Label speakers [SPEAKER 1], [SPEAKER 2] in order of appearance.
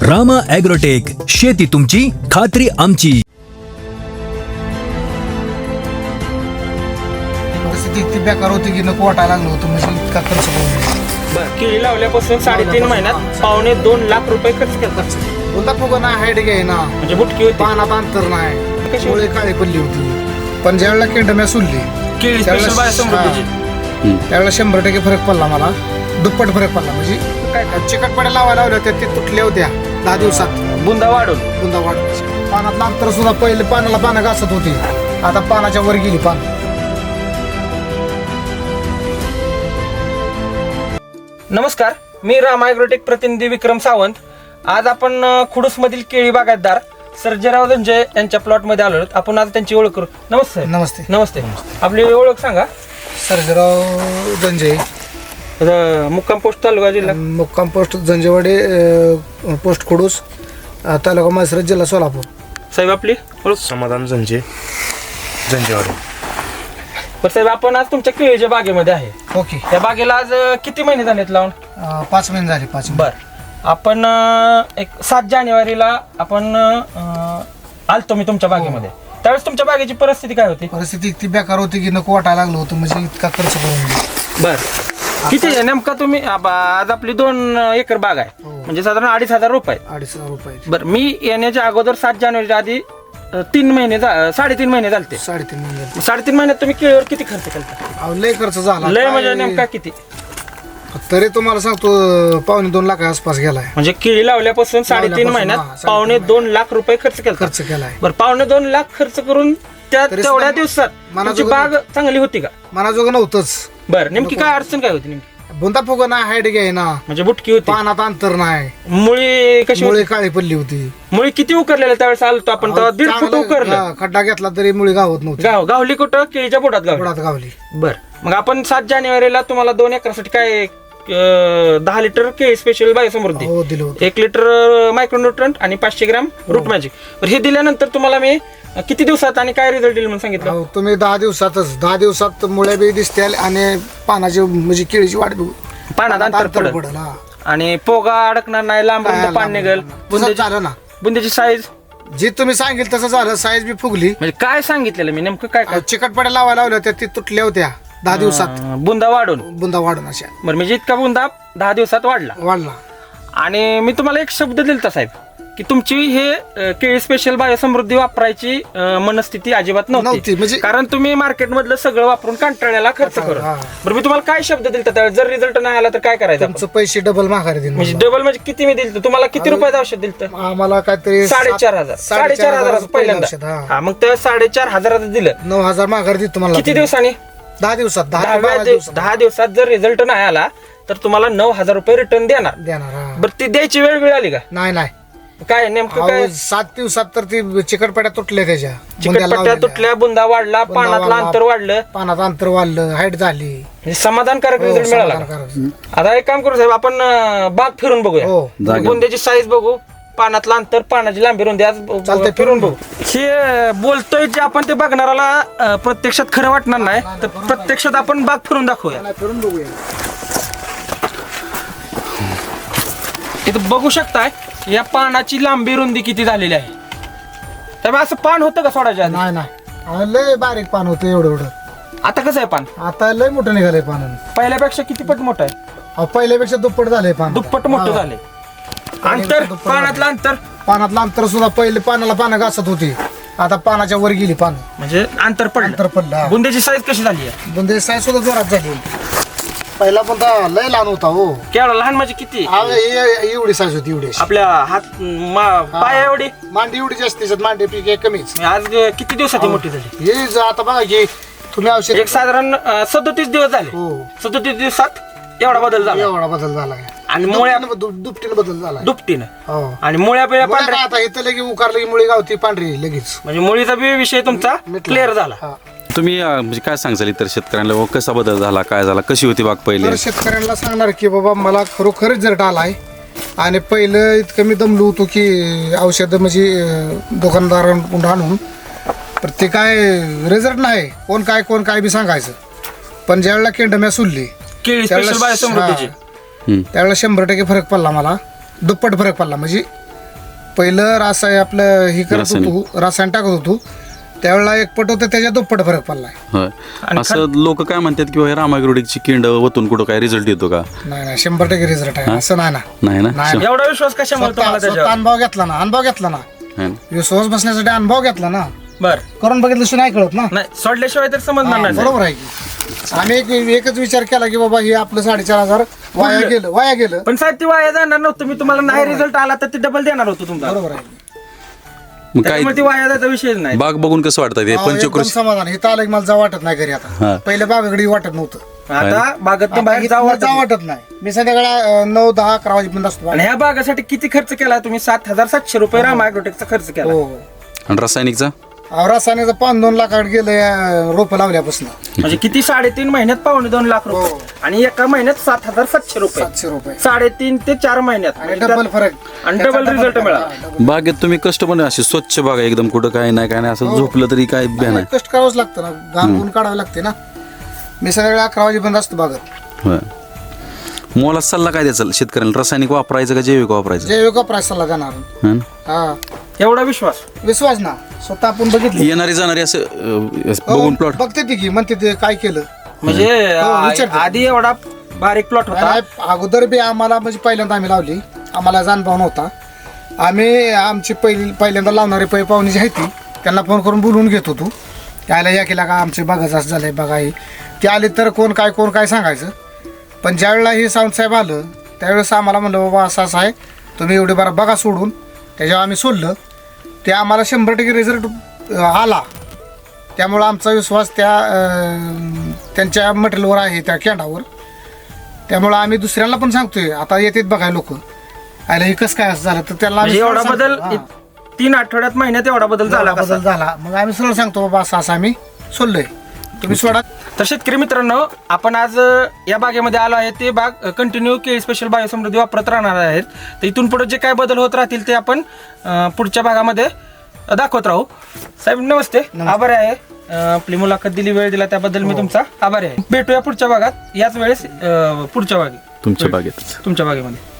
[SPEAKER 1] Rama agrotech, शेती तुमची, खात्री आमची.
[SPEAKER 2] परिस्थिती इतकी बेकार होती की नको वाटायला लागलं होतं, म्हणजे इतका खर्च करून.
[SPEAKER 3] बरं, केळी लावल्यापासून 3.5 महिन्यात 2.5 लाख रुपये खर्च केला.
[SPEAKER 2] बोलता फुगा ना हाईट घ्याय ना,
[SPEAKER 3] म्हणजे बुटकी होती.
[SPEAKER 2] पानात अंतर नाही,
[SPEAKER 3] कशी
[SPEAKER 2] मुळे काळी पडली होती. पण ज्यावेळेला केंडम्या सुलली
[SPEAKER 3] केळी
[SPEAKER 2] त्यावेळेला
[SPEAKER 3] स्पेशल बायोसमृद्धीची.
[SPEAKER 2] त्यावेळेला 100% फरक पडला मला, दुप्पट फरक पडला. म्हणजे काय चिकटपड्या लावायला लावल्या होत्या, ते तुटल्या होत्या 10 दिवसात.
[SPEAKER 3] बुंदा वाढून
[SPEAKER 2] बुंदा वाढ पानातलं अंतर सुद्धा पहिले पानाला पानं घासत होती, आता पानाच्या वर गेली पान.
[SPEAKER 3] नमस्कार, मी रामा ॲग्रोटेक प्रतिनिधी विक्रम सावंत. आज आपण खुडूसमधील केळी बागायतदार सर्जेराव धनंजय यांच्या प्लॉटमध्ये आलो आहोत. आपण आज त्यांची ओळख करू. नमस्ते.
[SPEAKER 2] नमस्ते.
[SPEAKER 3] नमस्ते. आपली ओळख सांगा.
[SPEAKER 2] सर्जेराव धनंजय,
[SPEAKER 3] मुक्काम पोस्ट तालुका जिल्हा
[SPEAKER 2] मुक्काम पोस्ट जंजेवाडी, पोस्ट खुडूस, तालुका माळशिरस, जिल्हा सोलापूर.
[SPEAKER 3] साहेब आपली ओळख.
[SPEAKER 4] समाधान जंजेवाडी.
[SPEAKER 3] बरं साहेब, आपण आज तुमच्या केळीच्या बागेमध्ये आहे.
[SPEAKER 2] ओके.
[SPEAKER 3] त्या बागेला आज किती महिने झालेत लावून?
[SPEAKER 2] 5 महिने झाले. 5 महिने.
[SPEAKER 3] बर, आपण एक 7 जानेवारीला आपण आलतो मी तुमच्या बागेमध्ये. त्यावेळेस तुमच्या बागेची परिस्थिती काय होती?
[SPEAKER 2] परिस्थिती इतकी बेकार होती की नको वाटायला लागलं होतं, म्हणजे इतका खर्च करून.
[SPEAKER 3] बर, किती आहे नेमका तुम्ही? आज आपली 2 एकर बाग आहे, म्हणजे साधारण 2,500 रुपये.
[SPEAKER 2] 2,500 रुपये.
[SPEAKER 3] बर, मी येण्याच्या अगोदर 7 जानेवारीच्या आधी 3 महिने 3.5 महिने झालते.
[SPEAKER 2] 3.5 महिने.
[SPEAKER 3] 3.5 महिन्यात तुम्ही केळीवर किती खर्च केला?
[SPEAKER 2] लय खर्च झाला.
[SPEAKER 3] लय म्हणजे नेमका किती?
[SPEAKER 2] तरी तुम्हाला सांगतो 2.5 लाख आसपास गेलाय.
[SPEAKER 3] म्हणजे केळी लावल्यापासून 3.5 महिन्यात 2.5 लाख रुपये खर्च केला.
[SPEAKER 2] खर्च केलाय.
[SPEAKER 3] बरं, 2.5 लाख खर्च करून त्या
[SPEAKER 2] तरी
[SPEAKER 3] तेवढ्या
[SPEAKER 2] सुद्धा
[SPEAKER 3] दिवसात तुमची
[SPEAKER 2] मनाजोगं
[SPEAKER 3] बाग चांगली होती का?
[SPEAKER 2] मनाजोगं नव्हतंच.
[SPEAKER 3] बरं, नेमकी काय अडचण काय होती नेमकी?
[SPEAKER 2] बुंदा फुगा ना हाईट घ्याय ना,
[SPEAKER 3] म्हणजे बुटकी होती,
[SPEAKER 2] पानात अंतर नाही,
[SPEAKER 3] मुळी कशी
[SPEAKER 2] मुळे
[SPEAKER 3] होती?
[SPEAKER 2] काळी पडली होती.
[SPEAKER 3] मुळी किती उकरलेल्या त्यावेळेस आलतो आपण, तेव्हा 1.5 फूट उकरलं.
[SPEAKER 2] खड्डा घेतला तरी मुळी गावत नव्हती.
[SPEAKER 3] गावली कुठं? केळीच्या बोटात गावली.
[SPEAKER 2] बुडात गावली.
[SPEAKER 3] बर, मग आपण 7 जानेवारीला तुम्हाला 2 एकरासाठी काय 10 लिटर केळी स्पेशल बायोसमृद्धी,
[SPEAKER 2] हो दिलं होतं.
[SPEAKER 3] 1 लिटर मायक्रोन्यूट्रंट आणि 500 ग्राम रूट मॅजिक. बरं, हे दिल्यानंतर तुम्हाला मी किती दिवसात आणि काय रिझल्ट दिला म्हणून सांगितलं?
[SPEAKER 2] हो, तुम्ही 10 दिवसात मुळे बी दिसतील आणि पानाची म्हणजे केळीची वाढ बी
[SPEAKER 3] पानात अंतर पडेल
[SPEAKER 2] पडेल. हा.
[SPEAKER 3] आणि पोगा अडकणार नाही, लांब
[SPEAKER 2] काय
[SPEAKER 3] पान निघेल.
[SPEAKER 2] तसंच झालं ना.
[SPEAKER 3] बुंद्याची साईज
[SPEAKER 2] जे तुम्ही सांगितलं तसं झालं. साईज बी फुगली.
[SPEAKER 3] म्हणजे काय सांगितलेलं मी नेमकं काय काय?
[SPEAKER 2] चिकटपड्या लावायला लावल्या होत्या, ती तुटल्या होत्या 10 दिवसात.
[SPEAKER 3] बुंदा वाढून.
[SPEAKER 2] बुंदा वाढून अशा
[SPEAKER 3] बरं, म्हणजे इतका बुंदा 10 दिवसात वाढला.
[SPEAKER 2] वाढला.
[SPEAKER 3] आणि मी तुम्हाला एक शब्द दिलता साहेब, की तुमची हे केळी स्पेशल बायोसमृद्धी वापरायची मनस्थिती अजिबात
[SPEAKER 2] नव्हती.
[SPEAKER 3] नव्हती,
[SPEAKER 2] म्हणजे
[SPEAKER 3] कारण तुम्ही मार्केट मधलं सगळं वापरून कंटाळ्याला खर्च करून.
[SPEAKER 2] हा.
[SPEAKER 3] बरं, मी तुम्हाला काय शब्द दिलता त्यावेळेस? जर रिझल्ट नाही आला तर काय करायचं आपण?
[SPEAKER 2] तुमचं पैसे डबल माघारी देईन.
[SPEAKER 3] म्हणजे डबल म्हणजे किती मी दिलं तुम्हाला? किती रुपयाचं औषध दिलं?
[SPEAKER 2] आम्हाला काहीतरी
[SPEAKER 3] 4,500. 4,500 पहिल्यांदा.
[SPEAKER 2] औषध, हा.
[SPEAKER 3] हा, मग त्या 4,500 दिलं.
[SPEAKER 2] 9,000 माघारी देतो तुम्हाला.
[SPEAKER 3] किती दिवसांनी?
[SPEAKER 2] 10 दिवसात.
[SPEAKER 3] 10 दिवसात जर रिझल्ट नाही आला तर तुम्हाला 9,000 रुपये रिटर्न देणार.
[SPEAKER 2] देणार. हा.
[SPEAKER 3] बरं, ती द्यायची वेळ आली का?
[SPEAKER 2] नाही.
[SPEAKER 3] काय नेमकं काय?
[SPEAKER 2] 7 दिवसात तर ती चिकटपट्या तुटल्या त्याच्या. बुंद्या
[SPEAKER 3] चिकटपट्ट्या
[SPEAKER 2] लावलेल्या.
[SPEAKER 3] तुटल्या, बुंदा वाढला,
[SPEAKER 2] बुंदा
[SPEAKER 3] पानातलं
[SPEAKER 2] वाढला,
[SPEAKER 3] अंतर वाढलं,
[SPEAKER 2] पानात अंतर वाढलं, हाईट झाली.
[SPEAKER 3] म्हणजे समाधानकारक
[SPEAKER 2] हो,
[SPEAKER 3] रिझल्ट मिळाला का?
[SPEAKER 2] समाधानकारक.
[SPEAKER 3] आता एक काम करू साहेब, आपण बाग फिरून बघूया.
[SPEAKER 2] हो.
[SPEAKER 3] बुंद्याची साईज बघू, पानातलं अंतर, पानाची लांबी रुंदी आज
[SPEAKER 2] चालतंय,
[SPEAKER 3] फिरून बघू. हे बोलतोय जे आपण ते बघणाराला प्रत्यक्षात खरं वाटणार नाही, तर प्रत्यक्षात आपण बाग फिरून दाखवूया.
[SPEAKER 2] फिरून बघूया.
[SPEAKER 3] इथं बघू शकताय या पानाची लांबी रुंदी किती झालेली आहे. त्यामुळे असं पान होतं का सोडायच्या आधी?
[SPEAKER 2] नाही. लय बारीक पान होतं एवढं.
[SPEAKER 3] आता कसं आहे पान?
[SPEAKER 2] आता लय मोठं निघालंय पान.
[SPEAKER 3] पहिल्यापेक्षा किती पट मोठं आहे?
[SPEAKER 2] पहिल्यापेक्षा दुप्पट झालंय पान.
[SPEAKER 3] दुप्पट मोठं झाले. अंतर,
[SPEAKER 2] दुप्पट
[SPEAKER 3] पानातलं अंतर,
[SPEAKER 2] पानातलं अंतर सुद्धा पहिले पानाला पानं घासत होती, आता पानाच्या वर गेली पान.
[SPEAKER 3] म्हणजे अंतर
[SPEAKER 2] अंतर
[SPEAKER 3] पडलं.
[SPEAKER 2] पडलं.
[SPEAKER 3] बुंद्याची साईज कशी झाली आहे?
[SPEAKER 2] बुंदे साय सुद्धा जोरात झाली. पहिला पण लय लहान होता. हो,
[SPEAKER 3] केवढा लहान म्हणजे किती?
[SPEAKER 2] एवढी साईज होती. एवढी
[SPEAKER 3] आपल्या हात पाय एवढी.
[SPEAKER 2] मांडी एवढी जास्त त्याच्यात, मांडी पीक कमीच.
[SPEAKER 3] आज किती दिवसात ही मोठी झाली?
[SPEAKER 2] हे आता बघा की तुम्ही औषध
[SPEAKER 3] एक साधारण 37 दिवस झाले.
[SPEAKER 2] हो,
[SPEAKER 3] 37 दिवसात एवढा बदल झाला.
[SPEAKER 2] एवढा बदल झालाय.
[SPEAKER 3] आणि मुळ्या
[SPEAKER 2] दुपटीनं बदल झालाय.
[SPEAKER 3] दुपटीनं.
[SPEAKER 2] हो.
[SPEAKER 3] आणि मुळ्या बिळ्या
[SPEAKER 2] मुळ्या
[SPEAKER 3] पांढऱ्या,
[SPEAKER 2] काय आता इथं लगे उकारलं की मुळी गावती पांढरी लगेच.
[SPEAKER 3] म्हणजे मुळीचा बी विषय तुमचा
[SPEAKER 2] मिटला.
[SPEAKER 3] क्लिअर झाला.
[SPEAKER 2] हा.
[SPEAKER 4] तुम्ही म्हणजे काय सांगाल इतर शेतकऱ्यांना व कसा बदल झाला, काय झाला, कशी होती बाग पहिले?
[SPEAKER 2] तर शेतकऱ्यांना सांगणार की बाबा मला खरोखर रिझल्ट आलाय. आणि पहिलं इतकं मी दमलो होतो की औषधं म्हणजे दुकानदारांकडून आणून, तर ते काय रिझल्ट नाही. कोण काय बी सांगायचं. पण ज्यावेळेला केंडम्या सुलली
[SPEAKER 3] केळी स्पेशल बायोसमृद्धीची
[SPEAKER 2] त्यावेळेला 100% फरक पडला मला. दुप्पट फरक पडला. म्हणजे पहिलं आपलं हे करत होतो, रसायन टाकत होतो, त्यावेळेला एक पट होतं त्याच्या दुप्पट फरक पडलाय.
[SPEAKER 4] होय. असं लोक काय म्हणतात की हे रामायग्रोटिकची किंड वतून कुठं काय रिझल्ट येतो का?
[SPEAKER 2] नाही 100% रिझल्ट आहे असं नाही ना.
[SPEAKER 4] नाही ना.
[SPEAKER 2] नाही.
[SPEAKER 3] एवढा विश्वास कशामुळे तुम्हाला
[SPEAKER 2] स्वतः
[SPEAKER 3] त्याच्यावर?
[SPEAKER 2] अनुभव घेतला ना
[SPEAKER 4] है ना?
[SPEAKER 2] विश्वास बसण्यासाठी अनुभव घेतला ना,
[SPEAKER 3] बर
[SPEAKER 2] करून बघितल्याशिवाय नाही कळत ना.
[SPEAKER 3] नाही सोडल्याशिवाय तर समजणार नाही.
[SPEAKER 2] बरोबर आहे की आम्ही एकच विचार केला की बाबा हे आपलं 4,500 वाया गेलं.
[SPEAKER 3] पण साहेब ती वाया जाणार नव्हतं. मी तुम्हाला नाही रिझल्ट आला तर ते डबल देणार होतो तुम्हाला.
[SPEAKER 2] बरोबर आहे.
[SPEAKER 4] मग काय
[SPEAKER 3] त्यामुळे ती वाया जायचा विषयच नाही.
[SPEAKER 4] बाग बघून कसं वाटतं ते
[SPEAKER 2] एकदम
[SPEAKER 4] पंचकृषी?
[SPEAKER 2] समाधान. हे आलं की मला जा वाटत नाही घरी
[SPEAKER 4] हा.
[SPEAKER 2] आता. पहिल्या बागाकडे वाटत नव्हतं,
[SPEAKER 3] आता बागेत बाहेर
[SPEAKER 2] आता
[SPEAKER 3] जावं
[SPEAKER 2] जा वाटत नाही. मी संध्याकाळी 9-10-11 वाजेपर्यंत असतो.
[SPEAKER 3] आणि ह्या बागासाठी किती खर्च केला तुम्ही? 7,700 रुपये रामायग्रोटेकचा खर्च केला.
[SPEAKER 2] हो.
[SPEAKER 4] आणि रासायनिकचा?
[SPEAKER 2] रासायनिकचं 5-2 लाखाकडे गेलं रोपं लावल्यापासून.
[SPEAKER 3] म्हणजे किती 3.5 महिन्यात 2.5 लाख रुपये
[SPEAKER 2] हो.
[SPEAKER 3] आणि एका महिन्यात 7,700 रुपये.
[SPEAKER 2] 700 रुपये
[SPEAKER 3] 3.5 ते 4 महिन्यात
[SPEAKER 2] आणि डबल फरक.
[SPEAKER 3] आणि डबल रिझल्ट मिळाला.
[SPEAKER 4] बागेत तुम्ही कष्ट पण अशी स्वच्छ बाग आहे एकदम, कुठं काय नाही असं झोपलं तरी काय भ्या नाही.
[SPEAKER 2] कष्ट करावंच लागतं ना, घाम गुण काढावं लागते ना. मी संध्याकाळी 11 वाजेपर्यंत असतो बागत.
[SPEAKER 4] होय. मोला सल्ला काय द्यायचा शेतकऱ्यांना? रासायनिक वापरायचं का जैविक वापरायचं?
[SPEAKER 2] जैविक प्राईस सल्ला देणार.
[SPEAKER 4] है ना?
[SPEAKER 2] हा
[SPEAKER 3] एवढा विश्वास.
[SPEAKER 2] विश्वास ना, स्वतः आपण बघितलं.
[SPEAKER 4] येणारी जाणारी असं बघून प्लॉट
[SPEAKER 2] बघते ती की म्हणते ते काय केलं.
[SPEAKER 3] म्हणजे
[SPEAKER 2] विचारते.
[SPEAKER 3] आधी एवढा बारीक प्लॉट होता.
[SPEAKER 2] नाही, अगोदर बी आम्हाला म्हणजे पहिल्यांदा आम्ही लावली, आम्हाला अनुभव नव्हता. आम्ही आमची पहिल्यांदा लावणारे पाहुणे जी आहे ती त्यांना फोन करून बोलवून घेत होतो. यायला या केला का आमचे बघायचं असं झालंय बघा हे. ते आले तर कोण काय सांगायचं. पण ज्यावेळेला हे सावंतसाहेब आलं त्यावेळेस आम्हाला म्हणलं बाबा असं आहे, तुम्ही एवढे बरं बघा सोडून. त्याच्यावर आम्ही सोडलं, ते आम्हाला 100% रिझल्ट आला. त्यामुळं आमचा विश्वास त्यांच्या मटेरियलवर आहे, त्या कॅन्डावर. त्यामुळं आम्ही दुसऱ्यांना पण सांगतोय, आता येतात बघाय लोक, आयला हे कसं काय असं झालं तर त्याला
[SPEAKER 3] म्हणजे एवढा बदल 3 आठवड्यात महिन्यात एवढा बदल झाला कसा?
[SPEAKER 2] बदल झाला. मग आम्ही सरळ सांगतो बाबा असं आम्ही सोडलंय, तुम्ही सोडा.
[SPEAKER 3] तर शेतकरी मित्रांनो, आपण आज या बागेमध्ये आलो आहे. ते बाग कंटिन्यू केळी स्पेशल बायोसमृद्धी वापरत राहणार आहेत. तर इथून पुढे जे काय बदल होत राहतील ते आपण पुढच्या भागामध्ये दाखवत राहू. साहेब नमस्ते. आभारी आहे आपली मुलाखत दिली, वेळ दिला त्याबद्दल मी तुमचा आभारी आहे. भेटूया पुढच्या भागात, याच वेळेस पुढच्या बागेत
[SPEAKER 4] तुमच्या बागेत.
[SPEAKER 3] तुमच्या बागेमध्ये.